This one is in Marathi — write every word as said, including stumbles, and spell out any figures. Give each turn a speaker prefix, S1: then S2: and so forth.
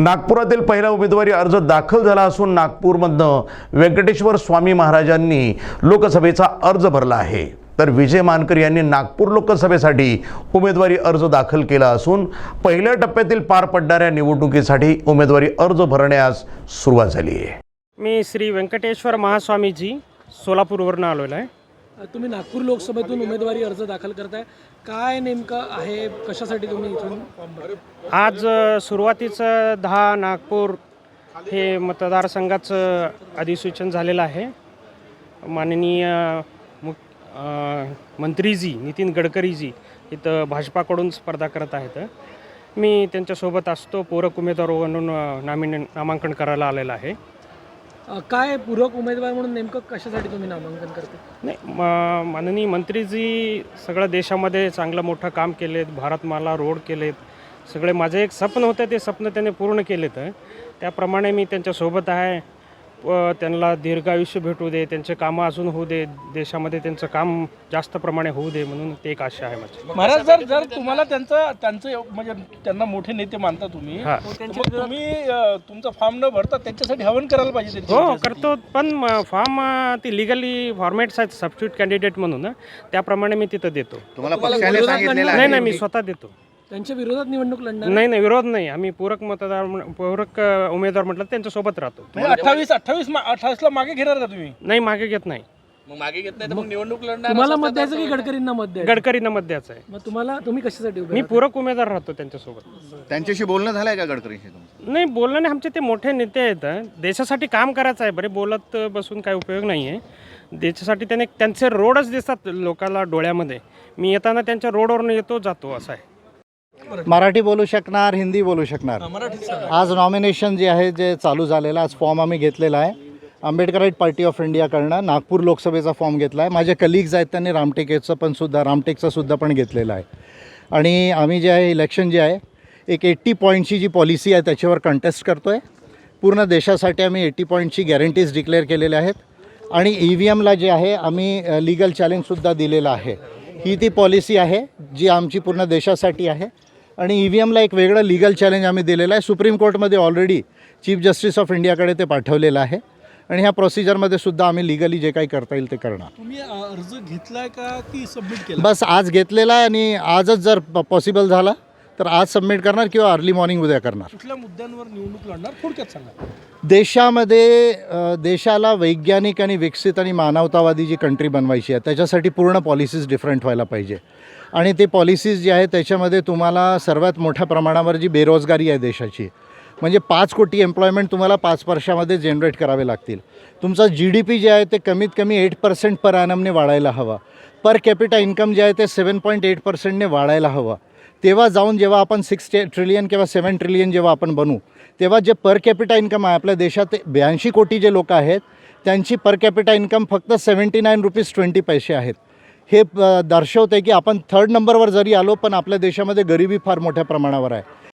S1: नागपुरातील पहिला उमेदवारी अर्ज दाखल झाला असून नागपूरमधनं व्यंकटेश्वर स्वामी महाराजांनी लोकसभेचा अर्ज भरला आहे। तर विजय मानकर यांनी नागपूर लोकसभेसाठी उमेदवारी अर्ज दाखल केला असून पहिल्या टप्प्यातील पार पडणाऱ्या निवडणुकीसाठी उमेदवारी अर्ज भरण्यास सुरुवात झाली आहे।
S2: मी श्री व्यंकटेश्वर महास्वामीजी सोलापूरवरून आलेलो आहे।
S3: तुम्ही नागपूर लोकसभेतून उमेदवारी अर्ज दाखल करताय, काय नेमकं आहे, कशासाठी तुम्ही इथून फॉर्म भरताय?
S2: आज अ, सुरुवातीचं दहा नागपूर हे मतदारसंघाचं अधिसूचन झालेलं आहे। माननीय मुख अ, मंत्रीजी नितीन गडकरीजी इथं भाजपाकडून स्पर्धा करत आहेत। मी त्यांच्यासोबत असतो, पूरक उमेदवार म्हणून नामिने नामांकन करायला आलेलं आहे।
S3: अ, काय पूरक उमेदवार म्हणून नेमकं कशासाठी तुम्ही नामांकन करताय?
S2: नाही, म माननीय मंत्रीजी सगळं देशामध्ये चांगलं मोठं काम केलेत, भारतमाला रोड केलेत, सगळे माझे एक स्वप्न होतं ते स्वप्न त्यांनी पूर्ण केलेत। त्याप्रमाणे मी त्यांच्यासोबत आहे व त्यांना दीर्घायुष्य भेटू दे, त्यांचे कामं अजून होऊ दे, देशामध्ये त्यांचं काम जास्त प्रमाणे होऊ दे म्हणून ते एक आशा आहे माझी।
S4: महाराज, जर जर तुम्हाला त्यांचं त्यांचं म्हणजे त्यांना मोठे नेते मानता तुम्ही,
S2: हां.
S4: तर मग तुम्ही अ, तुमचा फॉर्म न भरता त्यांच्यासाठी हवन करायला पाहिजे त्यांच्या
S2: हो
S4: विजयासाठी.
S2: करतो, पण फॉर्म ती लिगली फॉर्मॅट्स आहेत सबस्टिट्यूट कॅन्डिडेट म्हणून, त्याप्रमाणे मी तिथं देतो।
S5: तुम्हाला
S3: तुम्हाला
S5: पक्षाने
S3: विरोधात
S5: सांगितलेलं
S2: नाही
S5: आहे
S2: नाही मी स्वतः देतो।
S3: त्यांच्या विरोधात निवडणूक लढणार?
S2: नाही नाही विरोध नाही, आम्ही पूरक मतदार पूरक अ, उमेदवार म्हटलं त्यांच्यासोबत राहतो।
S4: म्हणजे अठ्ठावीस अठ्ठावीस अठ्ठावीस ला मागे घेणार का तुम्ही?
S2: नाही मागे घेत नाही,
S5: मग मागे घेत नाही तर मग निवडणूक लढणार
S3: तुम्हाला मत द्यायचं की गडकरींना मत द्यायचं?
S2: गडकरींना मत द्यायचं आहे।
S3: मग तुम्हाला तुम्ही कशासाठी उभे
S2: मी
S3: राहता?
S2: पूरक उमेदवार राहतो त्यांच्यासोबत।
S5: त्यांच्याशी बोलणं झालंय का गडकरींशी तुमचं?
S2: नाही, बोलणं नाही, आमचे ते मोठे नेते आहेत, देशासाठी काम करायचं आहे, बरे बोलत बसून काय उपयोग नाही आहे। देशासाठी त्याने त्यांचे रोडच दिसतात लोकांना डोळ्यामध्ये, मी येताना त्यांच्या रोडवरून येतो जातो असं आहे।
S6: मराठी बोलू शकणार, हिंदी बोलू शकणार। आज नॉमिनेशन जे आहे जे चालू झालेलं, आज फॉर्म आम्ही घेतलेला आहे आंबेडकराईट पार्टी ऑफ इंडियाकडनं। नागपूर लोकसभेचा फॉर्म घेतला आहे, माझे कलिग्ज आहेत त्यांनी रामटेकचं पण सुद्धा रामटेकचं सुद्धा पण घेतलेलं आहे। आणि आम्ही जे आहे इलेक्शन जे आहे एक एट्टी पॉईंटची जी पॉलिसी आहे त्याच्यावर कंटेस्ट करतो आहे। पूर्ण देशासाठी आम्ही एट्टी पॉईंटची गॅरंटीज डिक्लेअर केलेल्या आहेत आणि ई व्ही एमला जे आहे आम्ही लिगल चॅलेंजसुद्धा दिलेलं आहे। ही ती पॉलिसी आहे जी आमची पूर्ण देशासाठी आहे आणि ई व्ही एमला एक वेगळं लिगल चॅलेंज आम्ही दिलेलं आहे। सुप्रीम कोर्टमध्ये ऑलरेडी चीफ जस्टिस ऑफ इंडियाकडे ते पाठवलेलं आहे आणि ह्या प्रोसिजरमध्ये सुद्धा आम्ही लिगली जे काही करता येईल ते करणार।
S4: तुम्ही अ, अर्ज घेतलाय का की सबमिट केला?
S6: बस आज घेतलेला आहे आणि आजच जर पॉसिबल झाला तर आज सबमिट करणार किंवा अर्ली मॉर्निंग उद्या करणार।
S4: कुठल्या मुद्द्यांवर निवडणूक लढणार थोडक्यात सांगा।
S6: देशामध्ये अ, देशाला वैज्ञानिक आणि विकसित आणि मानवतावादी जी कंट्री बनवायची आहे त्याच्यासाठी पूर्ण पॉलिसीज डिफरंट व्हायला पाहिजे आणि ते पॉलिसीज जी आहे त्याच्यामध्ये तुम्हाला सर्वात मोठ्या प्रमाणावर जी बेरोजगारी आहे देशाची, म्हणजे पाच कोटी एम्प्लॉयमेंट तुम्हाला पाच वर्षामध्ये जनरेट करावे लागतील। तुमचा जी डी पी जे आहे ते कमीत कमी एट पर्सेंट पर ॲनमने वाढायला हवा। पर कॅपिटा इन्कम जे आहे ते सेवन पॉईंट एट पर्सेंटने वाढायला हवं। तेव्हा जाऊन जेव्हा आपण सिक्स ट्रिलियन किंवा सेवन ट्रिलियन जेव्हा आपण बनू तेव्हा जे पर कॅपिटा इन्कम आहे आपल्या देशात ब्याऐंशी कोटी जे लोक आहेत त्यांची पर कॅपिटा इन्कम फक्त सेवन्टी नाईन रुपीज ट्वेंटी पैसे आहेत। हे दर्शवते की आपण थर्ड नंबरवर जरी आलो पण आपल्या देशामध्ये गरिबी फार मोठ्या प्रमाणावर आहे।